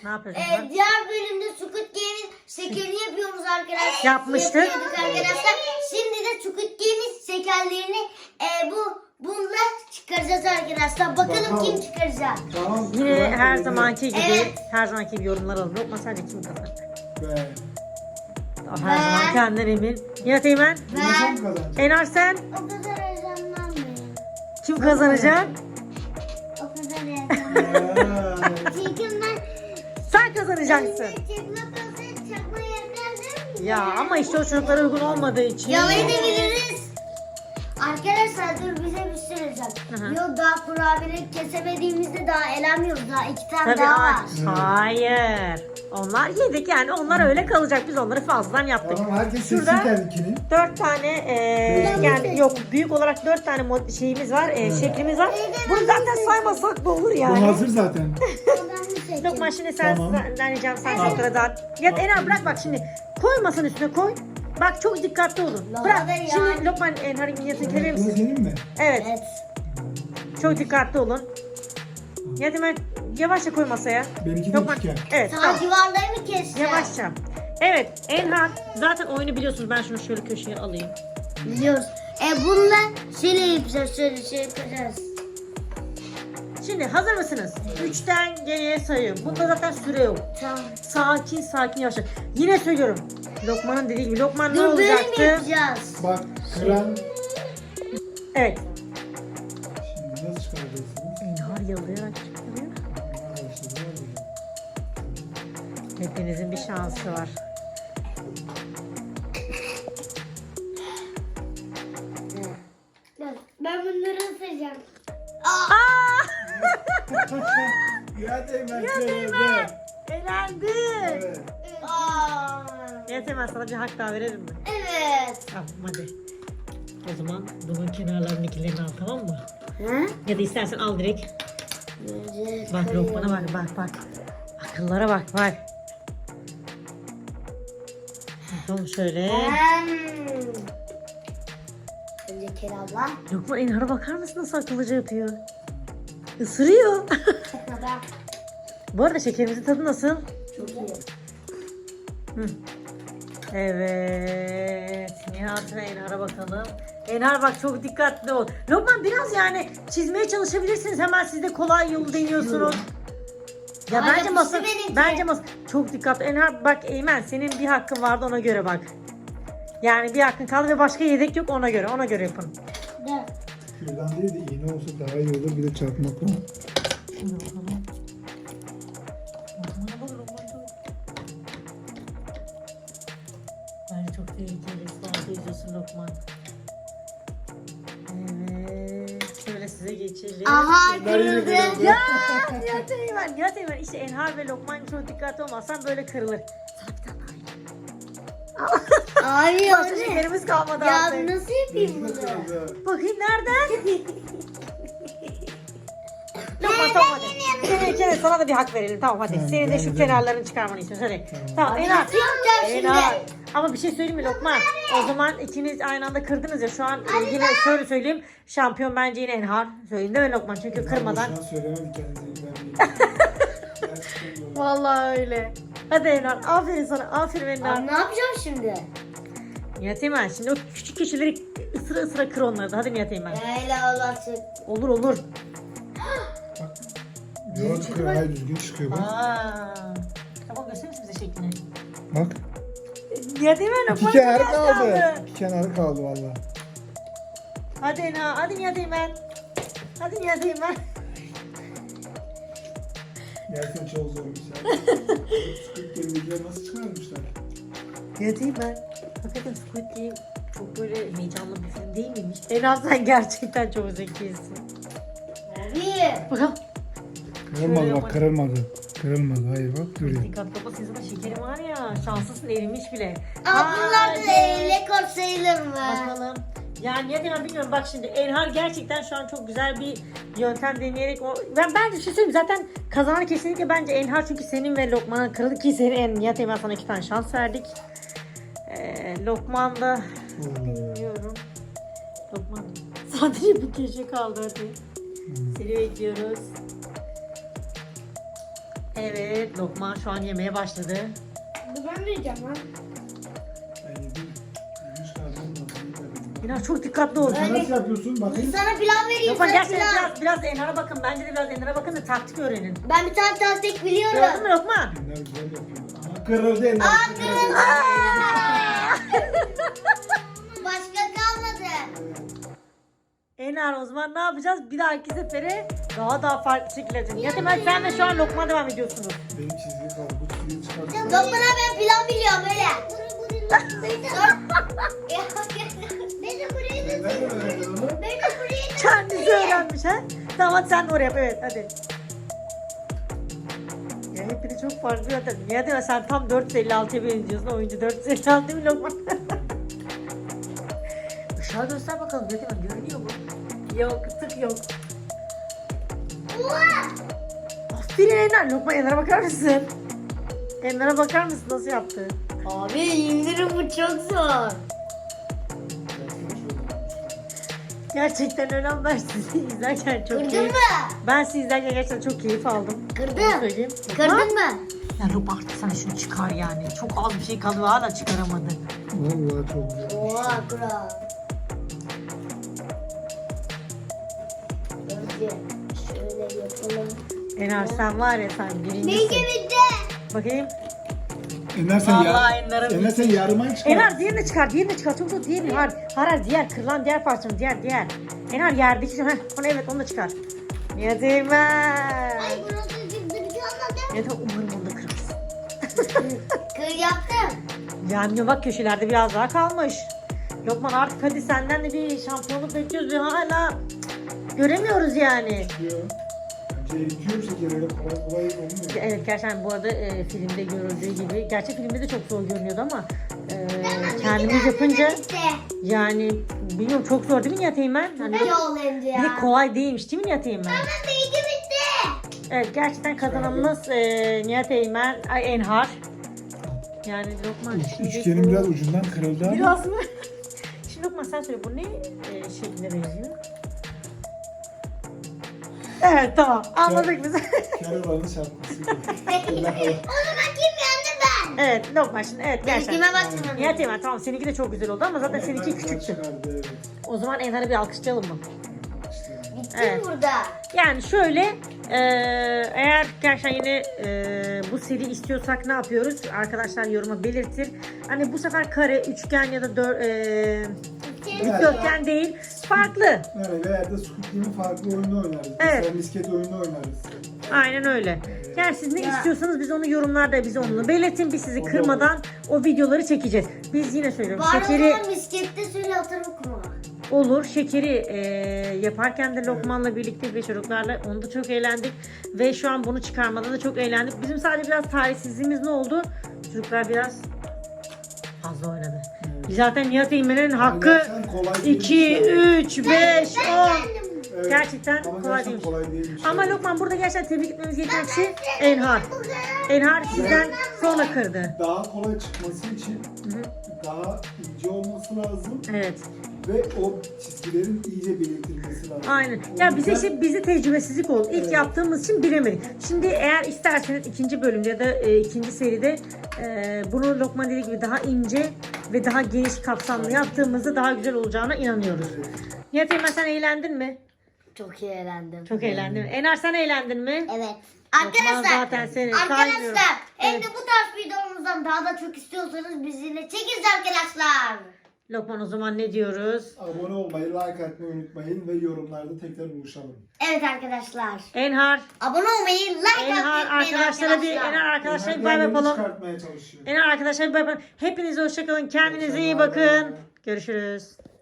Ne yapıyorsun? Diğer bölümde Squid Game'in şekerini yapıyoruz arkadaşlar. Yapmıştık. Yapıyorduk arkadaşlar. Şimdi de Squid Game'in şekerlerini bununla çıkaracağız arkadaşlar. Bakalım kim çıkaracak. Tamam. Yine her zamanki gibi, Evet. her zamanki gibi yorumlar alın. Lokman sence kim kazanacak? Be. Her zaman kendinden emin. Nihat Eymen, Bunu kim kazanacak? Enar sen O kadar heyecanlanmayın. kim kazanacak? O kadar heyecanlanmayın. Çünkü ben Sen kazanacaksın. çıkmak olsaydı çakma yerlerdim. Ya ama işte o çocuklara uygun olmadığı için. Yalayabiliriz. Arkadaşlar dur bize bir şey olacak. Hı hı. Yok daha kurabiye kesemediğimizde daha elenmiyoruz. Daha 2 tane Tabii daha var. hayır. Onlar yedik yani onlar öyle kalacak. Biz onları fazladan yaptık. Tamam herkes seçsin Şurada kendikini. 4 tane yani yok büyük olarak 4 tane şeyimiz var, şeklimiz var. Bunu zaten saymasak da olur Bu yani. hazır zaten. Ben bir seçeyim. Lokman şimdi sen Tamam. deneyeceğim sen Tamam. çocuklara dağıt. Ya Enar bırak bak şimdi. Koy masanın üstüne koy. Bak çok dikkatli olun. Bırak. Hadi ya. Şimdi Lokman Enhar'ın minyatını verir Bunu misin? senin mi? Evet. Evet. Çok dikkatli olun. Ya hemen yavaşça koy masaya. Benimki de Lokman. üçgen. Evet Sağ tamam. civarları mı keseceğim? Yavaşça. Evet Enhar zaten oyunu biliyorsunuz. Ben şunu şöyle köşeye alayım. Biliyoruz. Bununla şöyle yapacağız. Şöyle şey yapacağız. Şimdi hazır mısınız? 3'ten geriye sayıyorum. Bunda zaten süre yok. Tamam. Sakin sakin yavaş. Yine söylüyorum. Lokman'ın dediği gibi. Lokman ne Dur böyle mi olacaktı? yapacağız? Bak kıran. Evet. Şimdi nasıl çıkaracaksınız? Enhar yalayarak çıkıyor. Arkadaşlar ne olacak? Hepinizin bir şansı var. Ben bunları ısıracağım. Ya Teğmen Ya kırıldı. Teğmen. Elendin. Evet. Neyse hemen sana bir hak daha verelim mi? Evet. Tamam hadi. O zaman bunun kenarlarındakilerini al tamam mı? Hı? Ya da istersen al direkt. Bak Lokman'a bak. Akıllara bak. Tamam şöyle. Önce Keral'la. Lokman Enhar'a bakar mısın nasıl akıllıca yapıyor? Isırıyor. Kadar. Bu arada şekerimizin tadı nasıl? Çok iyi. Hı. Evet. Nihat ve Enhar'a bakalım. Enhar bak çok dikkatli ol. Lokman biraz yani çizmeye çalışabilirsiniz. Hemen siz de kolay yolu deniyorsunuz. Ya Ay, bence yapıştı masa, benimki. çok dikkatli. Enhar bak Eymen senin bir hakkın vardı ona göre bak. Yani bir hakkın kaldı ve başka yedek yok ona göre yapın. Dur. Şuradan değil de iğne olsa daha iyi olur. Bir de çarpmakla. Şimdi bakalım. Bence çok tehlikeli. Sualda yüzüyorsun Lokman. Evet. Şöyle size geçelim. Aha Bunlar yine kırıldı. kırıldı. Ya Nihat Eymen işte Enhar ve Lokman çok dikkatli olmazsan böyle kırılır. Sana bir tane daha Abi Başka o ne? şekerimiz kalmadı Ya artık. nasıl yapayım Benimki de bunu? kırıldı. Bakayım nereden? Lokman tamam hadi. Senin sana da bir hak verelim tamam hadi. Tamam, Senin de şu ben de. kenarlarını çıkarmanı istiyoruz hadi. Tamam Enhar. Nasıl yapacağım şimdi? Enhar. Ama bir şey söyleyeyim mi Lokman? O zaman ikiniz aynı anda kırdınız ya şu an yine şöyle söyleyeyim. Şampiyon bence yine Enhar. Söyleyeyim değil mi Lokman? Çünkü kırmadan. Boşuna söylemem kendinizi. Gerçekten doğru. Vallahi öyle. Hadi Enhar aferin sana aferin Enhar. Abi ne yapacağım şimdi? Nihat Eymen şimdi o küçük köşeleri ısıra kır onları da. Hadi Nihat Eymen. Öyle olacak. Olur. Yok çıkıyor. Hayır düzgün çıkıyor bak. Tamam gösterir misin bize şeklini? Bak. Nihat Eymen İki Lokman kenarı biraz kaldı. İki kenarı kaldı valla. Hadi Enhar hadi Nihat Eymen. Hadi Nihat Eymen. Gerçekten çok zormuş ya. Squid Game'dekiler nasıl çıkarmışlar? Nihat Eymen. Hakikaten Squid Game çok böyle heyecanlı bir film değil miymiş? Enhar sen gerçekten çok zekisin. Abi. Bakalım. Kırılmadı Şöyle bak kırılmadı. Kırılmadı hayır bak duruyor. Dikkatli bak sizin de şekerim var ya. Şanslısın erimiş bile. Aa, bunlar da Hadi. rekor sayılır mı? Bakalım. Yani Nihat Eymen bilmiyorum bak şimdi Enhar gerçekten şu an çok güzel bir yöntem deneyerek ben bence şey söyleyeyim zaten kazanan kesinlikle bence Enhar çünkü senin ve Lokman'ın kırıldı ki senin Nihat Eymen sana 2 tane şans verdik. Lokman da bilmiyorum. Lokman sadece bir köşe kaldı hadi. Seni bekliyoruz. Evet, Lokman şu an yemeye başladı. Ben de yiyeceğim lan. Ben yedim. Yüz karnım da. Enar çok dikkatli ol. Sen nasıl yapıyorsun? Bakayım. Sana pilav vereyim. Lokman Sana gerçekten pilav. biraz Enhar'a bakın. Bence de biraz Enhar'a bakın da taktik öğrenin. Ben bir tane tasdik biliyorum. Gördün mü Lokman? Enler güzel yapıyor. Aha kırıldı eller. Kırıldı. Başka kalmadı. Enar o zaman ne yapacağız? Bir dahaki sefere daha farklı şekilde yapacağız. Nihat Eymen sen de şu an Lokman'a devam ediyorsunuz. Benim çizgi kaldı. Bu çizgiyi çıkartıyorum. Lokman'a ben pilav biliyorum öyle. Ben de burayı da Nereden öğrendin onu? Ben de burayı da Kendisi öğrenmiş ha. Tamam hadi sen de oraya yap. Evet hadi. Ya hepini çok farklı zaten. Nihat Eymen sen tam 456'ya benziyorsun. Oyuncu 456 değil mi Lokman? Işığa göster bakalım. Nihat Eymen görünüyor mu? Yok tık yok. Aferin Enar. Lokman Enar'a bakar mısın? Enar'a bakar mısın nasıl yaptı? Abi indirim bu çok zor. Gerçekten öyle ama ben sizi izlerken çok Kırdın keyif... mı? Ben sizi izlerken gerçekten çok keyif aldım. Onu Kırdım. söyleyeyim. Kırdın mı? Ya Lokman artık sana şunu çıkar yani. Çok az bir şey kaldı hala çıkaramadın. Vallahi çok güzel. Oha kral. Önce şöyle yapalım. Enar sen var ya sen birincisin. Neyse bitti. Bakayım. Enler sen Vallahi Enler'e Enler sen yarıma çıkar. Enar diğerini çıkar. Diğerini çıkar. Çok çok diğerini. Har diğer kırılan diğer parçanı. Diğer. Enar yerdeki. Onu evet onu da çıkar. Nihat Eymen. Ay burası çıktı bir şey olmadı. Nihat Eymen, umarım onu da kırmızı. Kır yaptım. Yanmıyor bak köşelerde biraz daha kalmış. Lokman artık hadi senden de bir şampiyonluk bekliyoruz ve hala göremiyoruz yani. Diyor. Bence eritiyor şeker öyle kolay olmuyor. Evet gerçekten bu arada filmde görüldüğü gibi. Gerçek filmde de çok zor görünüyordu ama kendimiz yapınca Bitti. yani bilmiyorum çok zor değil mi Nihat Eymen? Hani Ne oldu bir de ya? kolay değilmiş değil mi Nihat Eymen? Ama bilgi bitti. Evet gerçekten kazananımız Nihat Eymen, Enhar. Yani Lokman şimdi Üçgenin biraz ucundan kırıldı ama. biraz mı? Şimdi Lokman sen söyle bu ne şekline benziyor? Evet tamam anladık biz. Karavanın şapkası. O zaman kim yendi ben? Evet Lokman şimdi evet gerçekten. Benimkime baksana. Nihat Eymen tamam seninki de çok güzel oldu ama zaten seninki küçüktü. Evet. O zaman Enhar'ı bir alkışlayalım mı? Bitti Evet. burada. Yani şöyle eğer gerçekten yine bu seri istiyorsak ne yapıyoruz? Arkadaşlar yoruma belirtir. Hani bu sefer kare, üçgen ya da dikdörtgen değil. Farklı. Evet, veya da Squid Game'in farklı oyunu oynarız. Evet. Mesela misket oyunu oynarız. Aynen öyle. Yani siz ne Ya. istiyorsanız biz onu yorumlarda bize onu belirtin. Biz sizi kırmadan o videoları çekeceğiz. Biz yine söylüyorum. Var Şekeri olan miskette söyle atarım kuma. olur. Şekeri yaparken de Lokman'la birlikte ve çocuklarla onu da çok eğlendik. Ve şu an bunu çıkarmada da çok eğlendik. Bizim sadece biraz tarihsizliğimiz ne oldu? Çocuklar biraz fazla oynadı. Zaten Nihat Eymen'in hakkı Gerçekten kolay 2, değilmiş 3, 5, 10. Evet. Gerçekten Ama kolay gerçekten değilmiş. kolay değilmiş. Ama Lokman burada gerçekten tebrik etmemiz gereken kişi Enhar. Enhar sizden sonra kırdı. Daha kolay çıkması için daha ince olması lazım Evet. ve o çizgilerin iyice belirtilmesi lazım. Aynen. O Ya bize yüzden- işte bizi tecrübesizlik oldu. İlk Evet. yaptığımız için bilemedik. Şimdi eğer isterseniz ikinci bölümde ya da ikinci seride bunu Lokman dediği gibi daha ince ve daha geniş kapsamlı yaptığımızda daha güzel olacağına inanıyoruz. Nihat Eymen sen eğlendin mi? Çok iyi eğlendim. Çok eğlendim. Enar sen eğlendin mi? Evet. Lokman zaten seni saymıyorum. Arkadaşlar hem Evet. de bu tarz videomuzdan daha da çok istiyorsanız bizimle çekiniz arkadaşlar. Lokman o zaman ne diyoruz? Abone olmayı, like atmayı unutmayın ve yorumlarda tekrar buluşalım. Evet arkadaşlar. Enhar. Abone olmayı, like Enhar atmayı unutmayın arkadaşlara bir Enhar arkadaşlara bir bay bay Diğerlerini yapalım. çıkartmaya çalışıyor. Enhar arkadaşlar bir bay bay. Hepinize hoşçakalın. Kendinize iyi Hoşça kalın. bakın. Görüşürüz.